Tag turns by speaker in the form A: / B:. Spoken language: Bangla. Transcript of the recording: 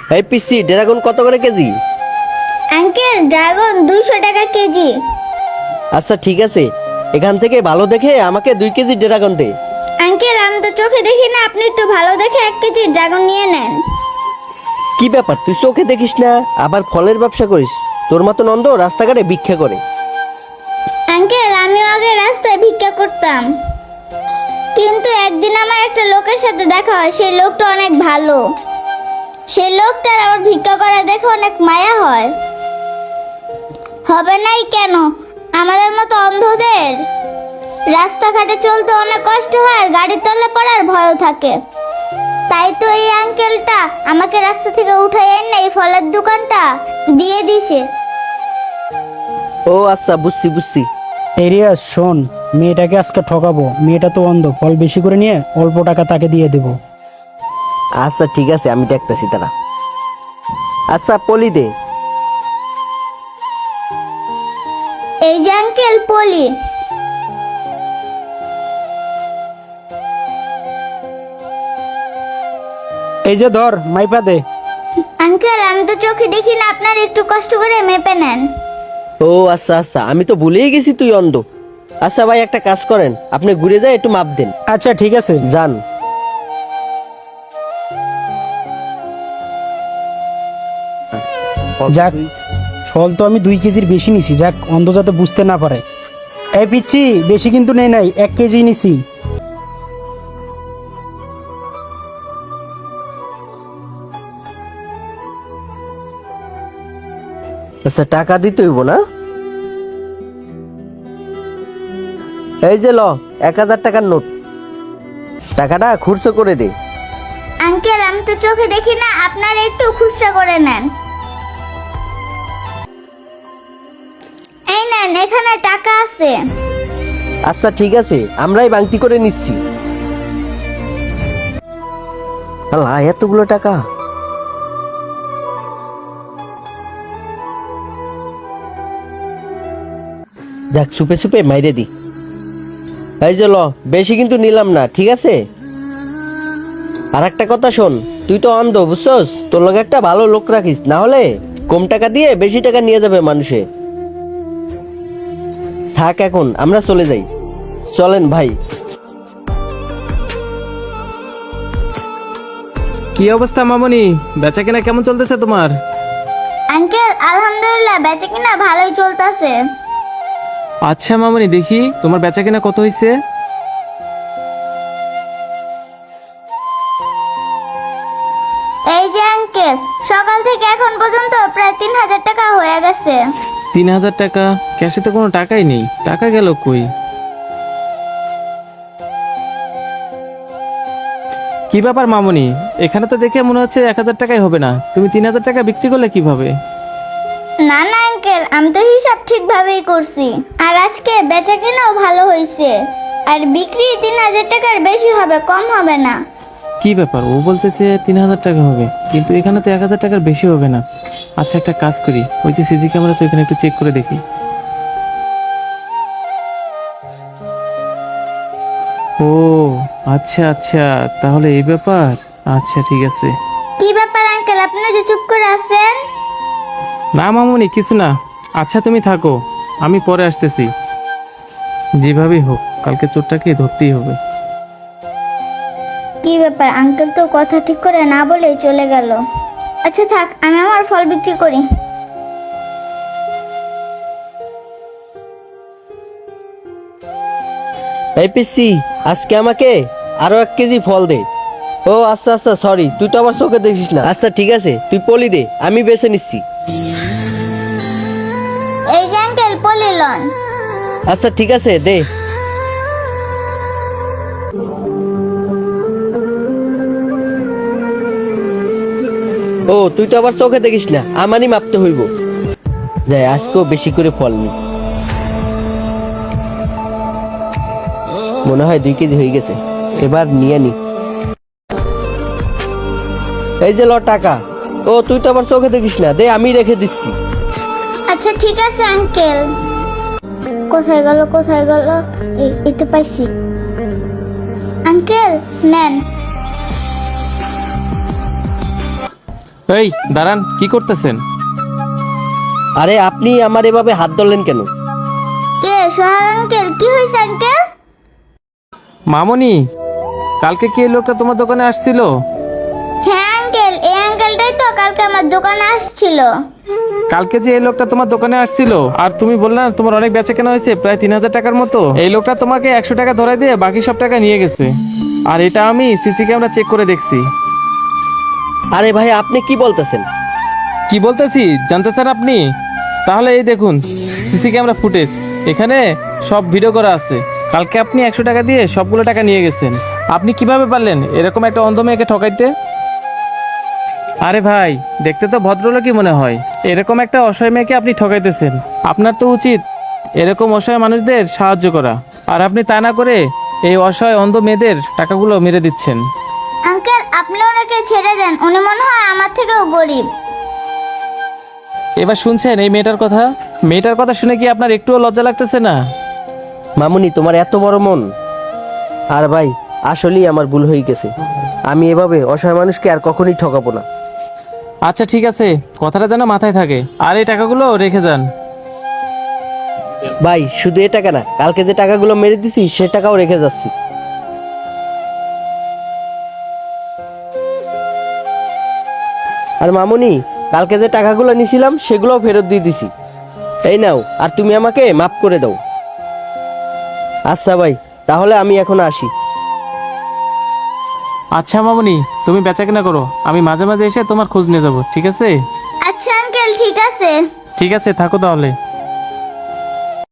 A: এই পিসি ড্রাগন কত করে কেজি?
B: আঙ্কেল ড্রাগন 200 টাকা কেজি।
A: আচ্ছা ঠিক আছে, এখান থেকে ভালো দেখে আমাকে 2 কেজি ড্রাগন দে।
B: আঙ্কেল আমি তো চোখে দেখি না, আপনি একটু ভালো দেখে 1 কেজি ড্রাগন নিয়ে নেন।
A: কি ব্যাপার, তুই চোখে দেখিস না আবার ফলের ব্যবসা করিস? তোর মতো নন্দ রাস্তাঘাটে ভিক্ষা করে।
B: আঙ্কেল আমিও আগে রাস্তায় ভিক্ষা করতাম, কিন্তু একদিন আমার একটা লোকের সাথে দেখা হয়। সেই লোকটা অনেক ভালো, সেই লোকটার আমার ভিক্ষা করা দেখে অনেক মায়া হয়। হবে নাই কেন? আমাদের মতো অন্ধদের রাস্তাঘাটে চলতে অনেক কষ্ট হয়, আর গাড়ির তলে পড়ার ভয়ও থাকে। তাই তো এই আঙ্কেলটা আমাকে রাস্তা থেকে উঠাই এনে এই ফলের দোকানটা দিয়ে দিছে।
A: ও আচ্ছা, বুঝছি বুঝছি।
C: এরিয়াস শোন, মেয়েটাকে আজকে ঠকাবো। মেয়েটা তো অন্ধ, ফল বেশি করে নিয়ে অল্প টাকা তাকে দিয়ে দেবো।
A: আচ্ছা ঠিক আছে, আমি দেখতেছি তারা। আচ্ছা পলি দে।
B: এই যে আঙ্কেল পলি।
C: এই যে ধর, মাইপা দে।
B: আঙ্কেল আমি তো চোখে দেখি না, আপনার একটু কষ্ট করে মেপে নেন।
A: ও আচ্ছা আচ্ছা, আমি তো ভুলেই গেছি তুই অন্ধ। আচ্ছা ভাই, একটা কাজ করেন, আপনি ঘুরে যায় একটু মাপ দেন।
C: আচ্ছা ঠিক আছে।
A: যান।
C: যাক, ফল তো আমি 2 কেজির বেশি নিছি, যাক অন্ধ যাতে বুঝতে না পারে। এই পিচ্ছি, বেশি কিন্তু নেই নাই, 1 কেজি নিছি।
A: আচ্ছা টাকা দিতে হইব না? এই যে ল 1000 টাকার নোট, টাকাটা খুচরো করে দে।
B: আঙ্কেল আমি তো চোখে দেখি না, আপনার একটু খুচরা করে নেন। এই নেন, এখানে টাকা আছে।
A: আচ্ছা ঠিক আছে, আমরাই বাংতি করে নিচ্ছি। আল্লাহ, এতগুলো টাকা! যাক, সুপে সুপে মাইরে দি। এই যে ল, বেশি কিন্তু নিলাম না, ঠিক আছে? আর একটা কথা শোন, তুই তো অন্ধ বুঝছস, তোর লগে একটা ভালো লোক রাখিস, না হলে কম টাকা দিয়ে বেশি টাকা নিয়ে যাবে মানুষে। থাক, এখন আমরা চলে যাই। চলেন ভাই।
D: কি অবস্থা মামনি, বেচা কেনা কেমন চলতেছে তোমার?
B: আঙ্কেল আলহামদুলিল্লাহ বেচে কিনা ভালোই চলতেছে।
D: আচ্ছা মামনি, দেখি তোমার বেচা কেনা কত হয়েছে।
B: এই যে আঙ্কেল, সকাল থেকে এখন পর্যন্ত প্রায় 3000 টাকা হয়ে গেছে।
D: 3000 টাকা? ক্যাশে তো কোনো টাকাই নেই, টাকা গেল কই? কি ব্যাপার মামনি, এখানে তো দেখে মনে হচ্ছে 1000 টাকাই হবে না, তুমি 3000 টাকা বিক্রি করলে কিভাবে?
B: না না আঙ্কেল, আমি তো হিসাব ঠিকভাবেই করছি, আর আজকে বেচা কেনাও ভালো হয়েছে, আর বিক্রি 3000 টাকার বেশি হবে, কম হবে না।
D: কি ব্যাপার, ও বলতেছে 3000 টাকা হবে, কিন্তু এখানে তো 1000 টাকার বেশি হবে না। আচ্ছা একটা কাজ করি, ওই যে সিসি ক্যামেরা আছে ওইখানে একটু চেক করে দেখি। ও আচ্ছা আচ্ছা, তাহলে এই ব্যাপার। আচ্ছা ঠিক আছে।
B: কি ব্যাপার আঙ্কেল, আপনি যে চুপ করে আছেন?
D: না মামুনি, কিছু না। আচ্ছা তুমি থাকো, আমি পরে আসতেছি। যেভাবেই হোক কালকে চোরটাকে ধরতেই হবে।
B: কি ব্যাপার, আঙ্কেল তো কথা ঠিক করে না বলেই চলে গেল। আচ্ছা থাক, আমি আমার ফল বিক্রি করি।
A: এই পিসি, আজকে আমাকে আরো 1 কেজি ফল দে। ও আচ্ছা আচ্ছা, সরি, তুই তো আবার চোখে দেখিস না। আচ্ছা ঠিক আছে, তুই পলি দে, আমি বেছে নিচ্ছি।
B: এই যে আঙ্কেল পলি লন।
A: আচ্ছা ঠিক আছে, দে। ও তুই তো আবার চোখে দেখিস না, আমারই মাপতে হইব। যাই, আজকেও বেশি করে ফল নি। মনে হয় 2 কেজি হয়ে গেছে, এবার নিয়ে নি। এই যে ল টাকা। ও তুই তো আবার চোখে দেখিস না, দে, আমি রেখে দিচ্ছি।
B: আচ্ছা ঠিক আছে আঙ্কেল। কোথায় গেল কোথায় গেল? এই তো পাইছি। আঙ্কেল নেন।
D: এই দাঁড়ান, কি করতেছেন?
A: আরে আপনি আমার এভাবে হাত ধরলেন কেন?
B: কে সোহাগ আঙ্কেল, কি হয়েছে আঙ্কেল?
D: মামুনি, কালকে কি এই লোকটা তোমার দোকানে আসছিল?
B: হ্যাঁ আঙ্কেল, এই আঙ্কেলটাই তো কালকে আমার দোকানে আসছিল।
D: কালকে যে এই লোকটা তোমার দোকানে আসছিল আর তুমি বললে না তোমার অনেক বেচা কেনা হয়েছে প্রায় 3,000 টাকার মতো, এই লোকটা তোমাকে 100 টাকা ধরাই দিয়ে বাকি সব টাকা নিয়ে গেছে। আর এটা আমি সিসি ক্যামেরা চেক করে দেখছি।
A: আরে ভাই আপনি কি বলতেছেন?
D: কি বলতেছি জানতে চান আপনি? তাহলে এই দেখুন সিসি ক্যামেরা ফুটেজ, এখানে সব ভিডিও করা আছে। কালকে আপনি 100 টাকা দিয়ে সবগুলো টাকা নিয়ে গেছেন। আপনি কিভাবে পারলেন এরকম একটা অন্ধ মেয়েকে ঠকাইতে? আরে ভাই, দেখতে তো ভদ্রলোকই মনে হয়, এরকম একটা অসহায় মেয়েকে আপনি ঠকাইতেছেন। আপনার তো উচিত এরকম অসহায় মানুষদের সাহায্য করা, আর আপনি তা না করে এই অসহায় অন্ধ মেয়েদের টাকাগুলো মেরে দিচ্ছেন।
B: আঙ্কেল আপনি ওনাকে ছেড়ে দেন, উনি মনে হয় আমার থেকেও গরিব।
D: এবার শুনছেন এই মেয়েটার কথা? মেয়েটার কথা শুনে কি আপনার একটুও লজ্জা লাগতেছে না?
A: মামুনি তোমার এত বড় মন। আর ভাই আসলেই আমার ভুল হয়ে গেছে, আমি এভাবে অসহায় মানুষকে আর কখনোই ঠকাবো না।
D: আচ্ছা ঠিক আছে, কথাটা যেন মাথায় থাকে, আর এই টাকাগুলো রেখে যান।
A: ভাই শুধু এ টাকা না, কালকে যে টাকাগুলো মেরে দিছি সে টাকাও রেখে যাচ্ছি। আর মামুনি, কালকে যে টাকাগুলো নিছিলাম সেগুলোও ফেরত দিয়ে দিছি। এই নাও, আর তুমি আমাকে মাফ করে দাও। আচ্ছা ভাই, তাহলে আমি এখন আসি।
D: আচ্ছা মামুনি, তুমি বেচা কেনা করো, আমি মাঝে মাঝে এসে তোমার খোঁজ নিয়ে যাবো, ঠিক আছে?
B: আচ্ছা আঙ্কেল, ঠিক আছে।
D: ঠিক আছে, থাকো তাহলে।